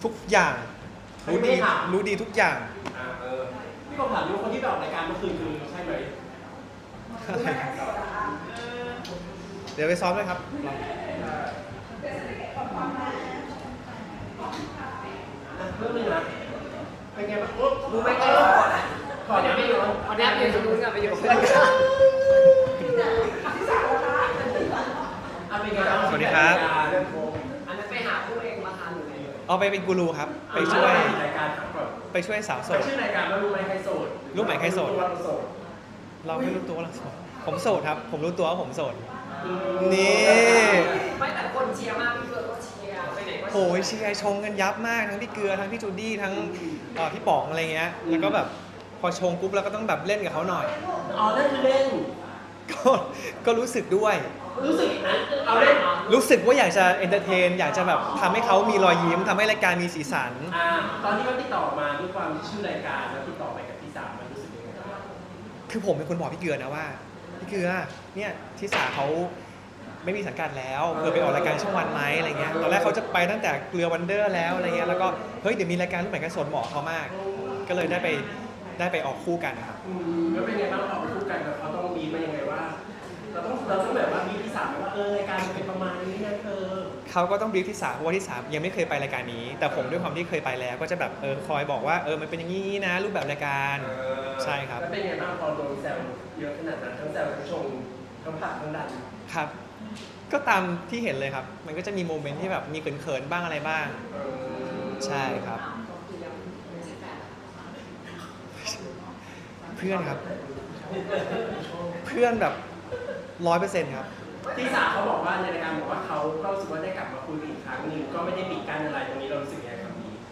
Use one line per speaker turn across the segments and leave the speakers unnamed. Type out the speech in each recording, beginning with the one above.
ทุกอย่างรู้ดีทุกอย่าง
พี่ผมถามดูคนที่ไปออกรายการเมื่อคืนคือใช่ไหม
เดี๋ยวไปซ้อมเลยครับ
เรื่องนึงนะเป็นไงบ้าง
รู้ไหมก็ขอเดี๋ยวไปอยู่เอาแนบอยู่ตรงนู้นกับไปอยู่เพื่อนกัน
สวัสดีครับ
อันนั้นไปหาผู้เองมาทานหรือไง
เอาไปเป็นกูรูครับไปช่วยสาวโสด
ชื่อรายการว่ารู้ไหมใครโสด
รู้ไหมใครโสดเราไม่รู้ตัวว่าเราโสดผมโสดครับผมรู้ตัวว่าผมโสดนี่
ไม่แต่คนเชียร์มากพี่เกลือก็เชียร์ไปไหนก็
โอ้ยเชียร์ชงกันยับมากทั้งพี่เกลือทั้งพี่จูดี้ทั้งพี่ป๋องอะไรเงี้ยแล้วก็แบบพอชงปุ๊บเราก็ต้องแบบเล่นกับเขาหน่อย
อ๋อนั่นคือเล่น
ก็รู้สึกด้วย
รู้สึกนะเอาเล่น
รู้สึกว่าอยากจะเอนเตอร์เทนอยากจะแบบทำให้เขามีรอยยิ้มทำให้รายการมีสีสัน
ตอนที่เขาติดต่อมาด้วยความที่ชื่อรายการแล้วติดต่อไปกับที่สามมันรู้สึกยังไงบ้าง
คือผมเป็นคนบอกพี่เกลือนะว่าพี่เกลือเนี่ยที่สาเขาไม่มีสังกัดแล้วไปออกรายการช่องวันไหมอะไรเงี้ยตอนแรกเขาจะไปตั้งแต่เกลือวันเดอร์แล้วอะไรเงี้ยแล้วก็เฮ้ยเดี๋ยวมีรายการรูปแบบกันสนเหมาะเขามากก็เลยได้ไปออกคู่กันนะครับ
แล้วเป็นไงบ้างออกคู่กันเขาต้องมีมายังไงว่าเราต้องแบบว่ามีที่สามว่ารายการเป็นประมาณนี้นะ
เขาก็ต้องบรีฟที่สามเพราะว่าที่สามยังไม่เคยไปรายการนี้แต่ผมด้วยความที่เคยไปแล้วก็จะแบบคอยบอกว่ามันเป็นอย่างนี้นะรูปแบบรายการใช่ครับ
แล้วเป็นไงบ้างพอโดนแซวเยอะขนาดนั้นทั้งแซวทั้งชงทั้งผักทั้งดัน
ครับก็ตามที่เห็นเลยครับมันก็จะมีโมเมนต์ที่แบบมีเขินๆบ้างอะไรบ้างใช่ครับเพื่อนครับเพื่อนแบบ100%ครับ
ที่สาเขาบอกว่าในรายการบอกว่าเขาก็รู้สึกว่าได้กลับมาคุยอีกครั้งหนึ่งก็ไม่ได้ปิดกั้นอะไรตรงนี้เรารู้สึกยังไงครับพี่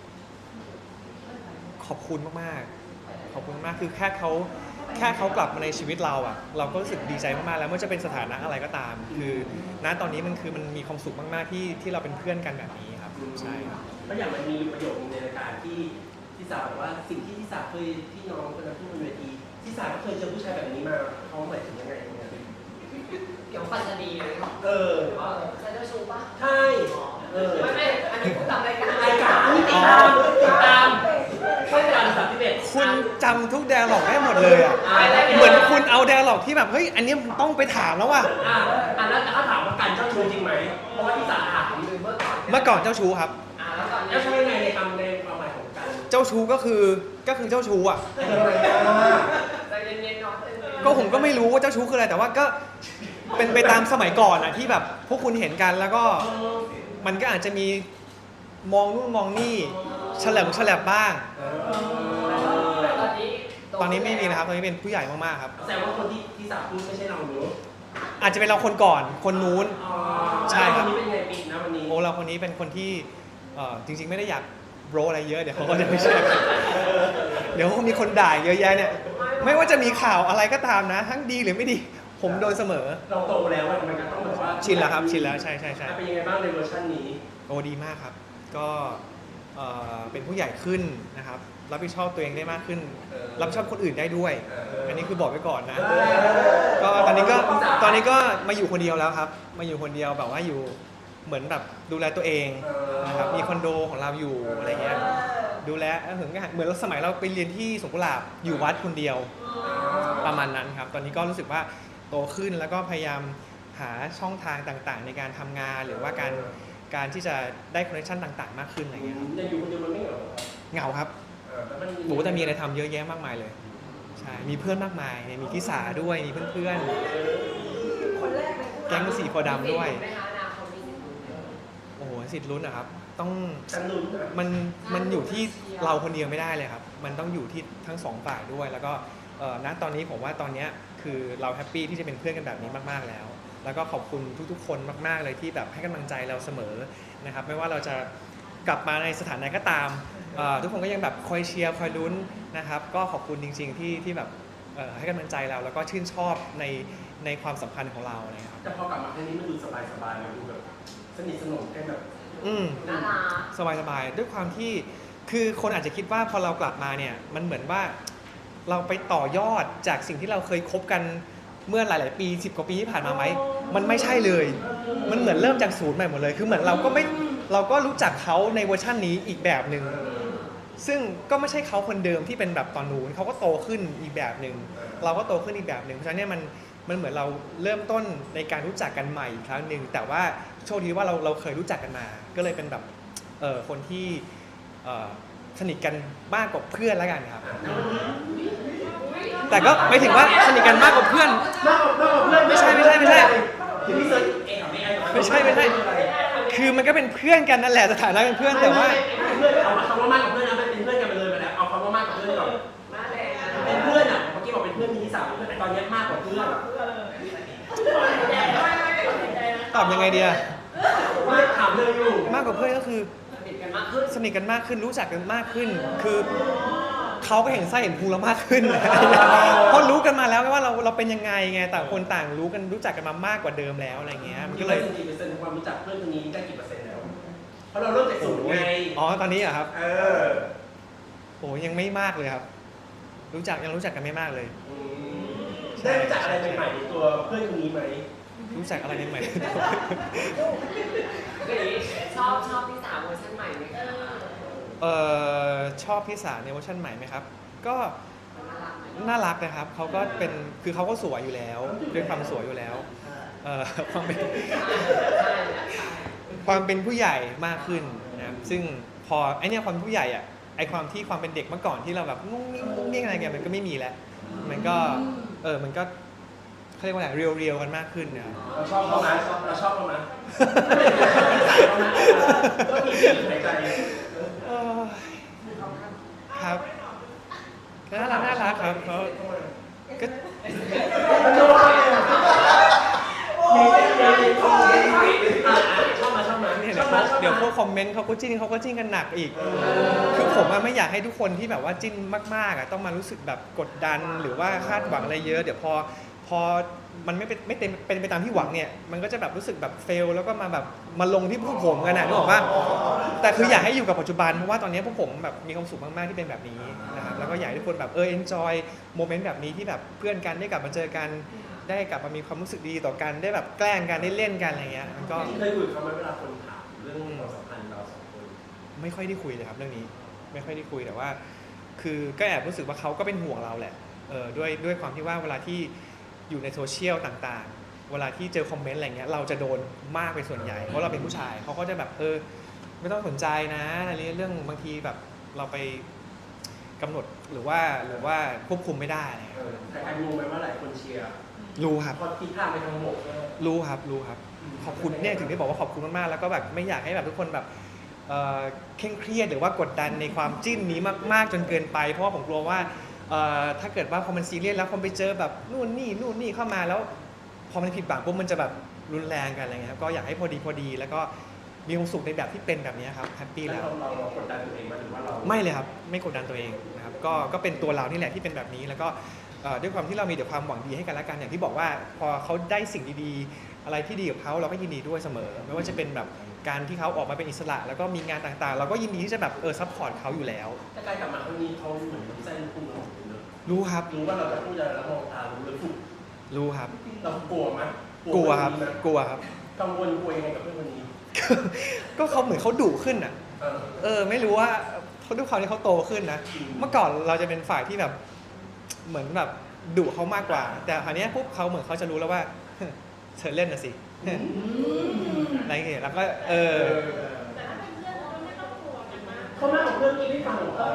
ขอบคุณมากๆขอบคุณมากคือแค่เขากลับมาในชีวิตเราอ่ะเราก็รู้สึกดีใจมากๆแล้วไม่ว่าจะเป็นสถานะอะไรก็ตามคือณตอนนี้มันมีความสุขมากๆที่เราเป็นเพื่อนกันแบบนี้ครับใช่ครับ
แล้วอย่างมันมีประโยคในรายการที่สาบอกว่าสิ่งที่สาเคยที่น้องคนนั้นพูดบนเวทีที่สาก็เคยเจอผู้ชายแบบนี้มาเขาหมายถึงยังไง
เกี่ยวกับปัจจุบันเลยใช่เจ้าชู้ป่ะ
ใช่
ไม่อันนี้พูดตามรายการ
ติดตามไม่แต่อัน31
คุณจำทุกแดร์ล็อกได้หมดเลยอ่ะเหมือนคุณเอาแดร์ล็อกที่แบบเฮ้ยอันนี้ต้องไปถามแล้วว่ะ
อันนั้นถ้าถามว่าการเจ้าชู้จริงไหมเพราะว่าที่สาถาม
เมื่อก่อนเจ้าชู้ครับ
เจ้าชู้ยังไงในคำในความหมายของการ
เจ้าชู้ก็คือเจ้าชู้อ่ะ
ใจเย็นๆเนาะ
ก็ผมก็ไม่รู้ว่าเจ้าชู้คืออะไรแต่ว่าก็เป็นไปตามสมัยก่อนอ่ะที่แบบพวกคุณเห็นกันแล้วก็มันก็อาจจะมีมองนู่นมองนี่ฉลับบ้างตอนนี้ไม่มีนะครับตอนนี้เป็นผู้ใหญ่มากๆครับ
แต่ว่าคนที่สาพูดไม่ใช่เราเนอะ
อาจจะเป็นเราคนก่อนคนนู้นใช่ครับ
วันนี้เป็นไงปีนะวันนี้
โอ้เราคนนี้เป็นคนที่จริงๆไม่ได้อยากโบรอะไรเยอะเดี๋ยวเขาก็จะไม่เชื่อเดี๋ยวมีคนด่าเยอะแยะเนี่ยไม่ว่าจะมีข่าวอะไรก็ตามนะทั้งดีหรือไม่ดีผมโดนเสมอ
เราโตแล้วมันก็ต้องแบบว่า
ชินแล้วครับชินแล้วใช่
เป็นยังไงบ้างในเวอร์ชันนี้
โอ้ดีมากครับก็เป็นผู้ใหญ่ขึ้นนะครับรับผิดชอบตัวเองได้มากขึ้นรับผิดชอบคนอื่นได้ด้วยอันนี้คือบอกไว้ก่อนนะก็ตอนนี้ก็มาอยู่คนเดียวแล้วครับมาอยู่คนเดียวแบบว่าอยู่เหมือนแบบดูแลตัวเองนะครับมีคอนโดของเราอยู่อะไรเงี้ยดูแลเหมือนสมัยเราไปเรียนที่สวนกุหลาบอยู่วัดคนเดียวประมาณนั้นครับตอนนี้ก็รู้สึกว่าโตขึ้นแล้วก็พยายามหาช่องทางต่างๆในการทำงานหรือว่าการที่จะได้คอนเนคชั่นต่างๆมากขึ้นอะไรเงี้ยครับ
อยู่คนเดียวมันไม่
เหงาครับโอ้แต่มีอะไรทำเยอะแยะมากมายเลยใช่มีเพื่อนมากมายมีพี่สาด้วยมีเพื่อนๆแก๊งสีโพดำด้วยโอ้โหสิทธิ์ลุ้นนะครับต้องมันอยู่ที่เราคนเดียวไม่ได้เลยครับมันต้องอยู่ที่ทั้งสองฝ่ายด้วยแล้วก็ณตอนนี้ผมว่าตอนนี้คือเราแฮปปี้ที่จะเป็นเพื่อนกันแบบนี้มากๆแล้วก็ขอบคุณทุกๆคนมากๆเลยที่แบบให้กำลังใจเราเสมอนะครับไม่ว่าเราจะกลับมาในสถานะก็ตามทุกคนก็ยังแบบคอยเชียร์คอยลุ้นนะครับก็ขอบคุณจริงๆที่แบบให้กำลังใจเราแล้วก็ชื่นชอบในความสัมพันธ์ของเราเลยครับ
แต่พอกลับมาครั้งนี้มันดูสบายๆมันดูแบบสนิทสนมกันแบบ
สบายๆด้วยความที่คือคนอาจจะคิดว่าพอเรากลับมาเนี่ยมันเหมือนว่าเราไปต่อยอดจากสิ่งที่เราเคยคบกันเมื่อหลายๆปี10 กว่าปีที่ผ่านมาไหมมันไม่ใช่เลยมันเหมือนเริ่มจากศูนย์ใหม่หมดเลยคือเหมือนเราก็เราก็รู้จักเขาในเวอร์ชันนี้อีกแบบหนึ่งซึ่งก็ไม่ใช่เขาคนเดิมที่เป็นแบบตอนนู้นเขาก็โตขึ้นอีกแบบหนึ่งเราก็โตขึ้นอีกแบบหนึ่งเพราะฉะนั้นเนี่ยมันเหมือนเราเริ่มต้นในการรู้จักกันใหม่อีกครั้งหนึ่งแต่ว่าโชคดีว่าเราเคยรู้จักกันมา ก็เลยเป็นแบบคนที่สนิทกันมากกว่าเพื่อนแล้วกันครับแต่ก็ไม่ถึงว่าสนิทกันมากกว่าเพื่อน
มากกว่าเพื่อน
ไม่ใช่
เดี๋ยวพี่เซิร์ชเองกับไม่ไอ้
ไม่ใช่คือมันก็เป็นเพื่อนกันนั่นแหละสถานะเป็นเพื่อนแต่ว่า
เพื่อนเอาคำว่ามากกว่าเพื่อนนะมันเป็นเพื่อนกันไปเลยไปแล้วเอาคำว่ามากกว่าเพื่อนก่อน
มาแรง
เป็นเพื่อนอ่ะเมื่อกี้บอกเป็นเพื่อนมีที่สามแต่ตอนนี้มากกว่าเพื่อน
ตอบยังไงดีอะ
ไม่ถามเลยอยู่
มากกว่าเพื่อนก็คือ
สนิทกันมากขึ้น
สนิทกันมากขึ้นรู้จักกันมากขึ้น คือเขาก็เห็นไส้เห็นพุงเรามากขึ้น เพราะรู้กันมาแล้วว่าเราเป็นยังไงไงต่างคนต่างรู้จักกันมามากกว่าเดิมแล้วอะไรเงี้ยมันก็เลย
กี่เปอร์เซ็นต์ของความรู้จักเพื่อนคนนี้ได้กี่เปอร์เซ็นต์แล้วเพราะเราเริ่มจากศูนย์ไง
อ๋อตอนนี้อะครับ
เออ
โอ้ยังไม่มากเลยครับ ยังรู้จักกันไม่มากเลย
ได้รู้จักอะไรใหม่ๆในตัวเพื่อนคนนี้ไหม
รู้จักอะไรใหม่
ชอบพี่สาวเวอร์ชันใหม่ไหมคะ
ชอบพี่สาวในเวอร์ชันใหม่ไหมครับ ก็
น่ารักไหม
น่ารักนะครับเขาก็เป็นคือเขาก็สวยอยู่แล้วด้วยความสวยอยู่แล้วความเป็น
ใช่ใช่
ความเป็นผู้ใหญ่มากขึ้นนะครับซึ่งพอไอเนี่ยความผู้ใหญ่อะไอความเป็นเด็กเมื่อก่อนที่เราแบบงุ้งงิ้งอะไรกันมันก็ไม่มีแล้วมันก็มันก็เขาเรียกว่าอะไรเรียวๆกันมากขึ้นนะครับ
เราชอบเขาไหมเราชอบเขาไหมก็มีหายใจ
ครับก็น่ารักครับเขาก็
ชอบมา
เนี่ยเดี๋ยวพวกคอมเมนต์เขาก็จิ้นกันหนักอีก คือผมไม่อยากให้ทุกคนที่แบบว่าจิ้นมากๆต้องมารู้สึกแบบกดดันหรือว่าคาดหวังอะไรเยอะเดี๋ยวพอมันไม่เป็นไปตามที่หวังเนี่ยมันก็จะแบบรู้สึกแบบเฟลแล้วก็มาลงที่พวกผมกันนะนึกออกปะแต่คืออยากให้อยู่กับปัจจุบันเพราะว่าตอนนี้พวกผมแบบมีความสุขมากๆที่เป็นแบบนี้นะครับแล้วก็อยากให้ทุกคนแบบenjoy โมเมนต์แบบนี้ที่แบบเพื่อนกันได้กลับมาเจอกันได้กลับมามีความรู้สึกดีต่อกันได้แบบแกล้งกันได้เล่นกันอะไรเงี้ยมันก็
เคยคุยกับเขาไหมเวลาคนถามเรื่องความสัมพันธ์เราสองคน
ไม่ค่อยได้คุยเลยครับเรื่องนี้ไม่ค่อยได้คุยแต่ว่า คือก็แอบรู้สึกว่าเขาก็เป็นห่วงเราแหละด้วยความที่ว่าเวลาที่อยู่ในโซเชียลต่างๆเวลาที่เจอคอมเมนต์อะไรเงี้ยเราจะโดนมากเป็นส่วนใหญ่เพราะเราเป็นผู้ชายเขาก็จะแบบไม่ต้องสนใจนะอะไรเรื่องบางทีแบบเราไปกำหนดหรือว่าควบคุมไม่ได้อะไรเงี้ย
แต่ใครรู้ไหมว่าหลายคนเชียร์
รู้ครับ
พอทิศทางไปทางบก
รู้ครับขอบคุณเนี่ยถึงได้บอกว่าขอบคุณมากๆแล้วก็แบบไม่อยากให้แบบทุกคนแบบเคร่งเครียดหรือว่ากดดันในความจิ้นนี้มากๆจนเกินไปเพราะว่าผมกลัวว่าถ้าเกิดว่าพอมันซีเรียสแล้วคนไปเจอแบบนู่นนี่เข้ามาแล้วพอมันผิดหวังปุ๊บมันจะแบบรุนแรงกันอะไรเงี้ยครับก็อยากให้พอดีแล้วก็มีความสุขในแบบที่เป็นแบบนี้ครับแฮปปี้แล้ว
เรากดดันตัวเองมาหรือว่าเรา
ไม่เลยครับไม่กดดันตัวเองนะครับก็เป็นตัวเรานี่แหละที่เป็นแบบนี้แล้วก็ด้วยความที่เรามีแต่ความหวังดีให้กันและกันอย่างที่บอกว่าพอเขาได้สิ่งดีๆอะไรที่ดีกับเขาเราก็ยินดีด้วยเสมอไม่ว่าจะเป็นแบบการที่เขาออกมาเป็นอิสระแล้วก็มีงานต่างๆ เราก็ยินดีที่จะแบบซัพพอร์ตเขาอยู่แล้ว
แต่การกลับมาครั้งนี้เขาเหมือนน้ำเส้นคุณเราเนอะ
รู้ครับ
รู้ว่าเราจะพูดอะไรแล้วมองตารู้เลยถูก
รู้ครับ
เรากลัวไหม
กลัวครับ
กังวลกลัวยังไงกับเพื่อนคนนี้
ก็เขาเหมือนเขาดุขึ้นอ่ะ ไม่รู้ว่าเขาด้วยความที่เขาโตขึ้นนะเมื่อก่อนเราจะเป็นฝ่ายที่แบบเหมือนแบบดุเขามากกว่า แต่คราวนี้ปุ๊บเขาเหมือนเขาจะรู้แล้วว่าเธอเล่นนะสิอะไรอย่างเงี้ยแล้วก็
เขาไม่ของเพื่อนนี้ไม่ฟังหรอ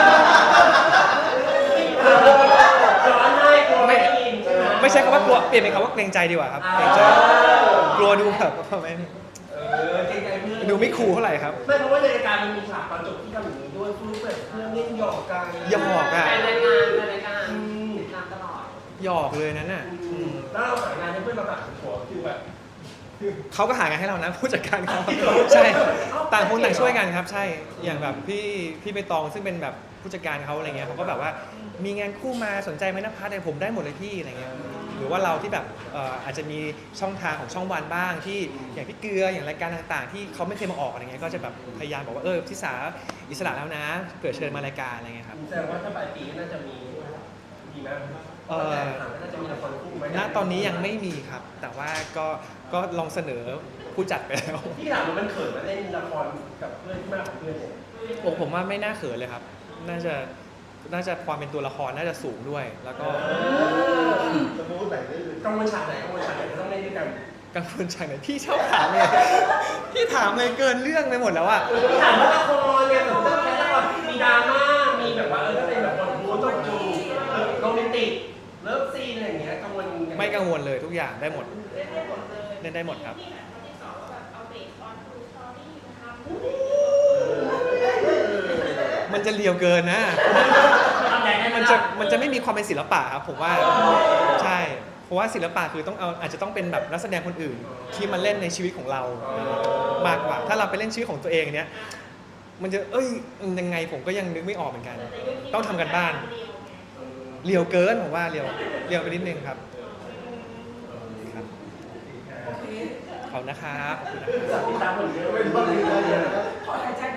ย้อนให้กลัวไม่ได้ยินใช่ไหม
ไม่ใช่คำว่ากลัวเปลี่ยนเป็นคำว่าเกรงใจดีกว่าครับเกรงใจกลัวดูแบบไม่
เกรงใจเพื่อน
ดูไม่คูลเท่าไหร่ครับ
ไม่เพราะว่าในรายการมันมีฉากตอนจบที่ทำอย่างนี้ด้วยฟื้นเปิดเพื่อนเล่นหยอกกัน
หยอกอ่ะ
ในรายการติดตามตลอด
หยอกเลยนั้นน่ะ
แล้วเราหางานให้เพื่อนเราแบบหัวคือแบบ
เขาก็หางานให้เรานะผู้จัดการเขาใช่ต่างคนต่างช่วยกันครับใช่อย่างแบบพี่ใบตองซึ่งเป็นแบบผู้จัดการเขาอะไรเงี้ยเขาก็แบบว่ามีงานคู่มาสนใจไหมนะพัทเนี่ยผมได้หมดเลยพี่อะไรเงี้ยหรือว่าเราที่แบบอาจจะมีช่องทางของช่องวันบ้างที่อย่างพี่เกลืออย่างรายการต่างๆ ที่เขาไม่เคยมาออกอะไรเงี้ยก็จะแบบพยายามบอกว่าทิสาอิสระแล้วนะเกิดเชิญมารายการอะไรเงี้ยครับ
แสดงว่าถ้าปลายปีก็น่าจะมีไหมถามว่าน่าจะมีละครคู่ไหม
ณตอนนี้ยังไม่มีครับ แต่ว่าก็ลองเสนอผู้จัดไปแล้ว
ที่ถามว่ามันเขินมาเล่นละครกับเพื่อนที่มากกว่าเพื่อนเนี่ย
ผมว่าไม่น่าเขินเลยครับ น่าจะความเป็นตัวละครน่าจะสูงด้วย แล้วก็
จะพูดไหนได้เลย
กังวลฉากไหนจะต้องเล่นด้วยกัน
กังวลใจไหนพี่ชอบถามเลยพี่ถามเลยเกินเรื่องไปหมดแล้วอะ
ที่ถามว่าละครเนี่ยผมต้องแค่ละครมีดราม่ามีแบบว่าถ้าเป็นแบบบทบู๊ต้องจูโรแมนติกเลิฟซีนอะไรอย่างเงี้ยกังวลยังง
ไม่กังวลเลยทุกอย่างได้หมด
เล่นได้หมดเลย
เล่นได้หมดครับ
ที่แบบคนที่สองแบบเอาเบสออนทูสตอรี่มาทำ
มันจะเลียวเกินนะ
ทำใหญ่ได้ไหม
มันจะไม่มีความเป็นศิลปะครับผมว่าใช่เพราะว่าศิลปะคือต้องเอาอาจจะต้องเป็นแบบนักแสดงคนอื่น ที่มาเล่นในชีวิตของเรามากกว่า ถ้าเราไปเล่นชีวิตของตัวเองเนี้ยมันจะยังไงผมก็ยังนึกไม่ออกเหมือนกัน ต้องทำกันบ้านเลียวเกินผมว่าเลียวไปนิดนึงครับครับ
โอเค
ขอบคุณนะครับขอบคุณนะครับ
ติดตามผลงาน
ไม่ต้องรีบเลยนะ
ขอหายใจ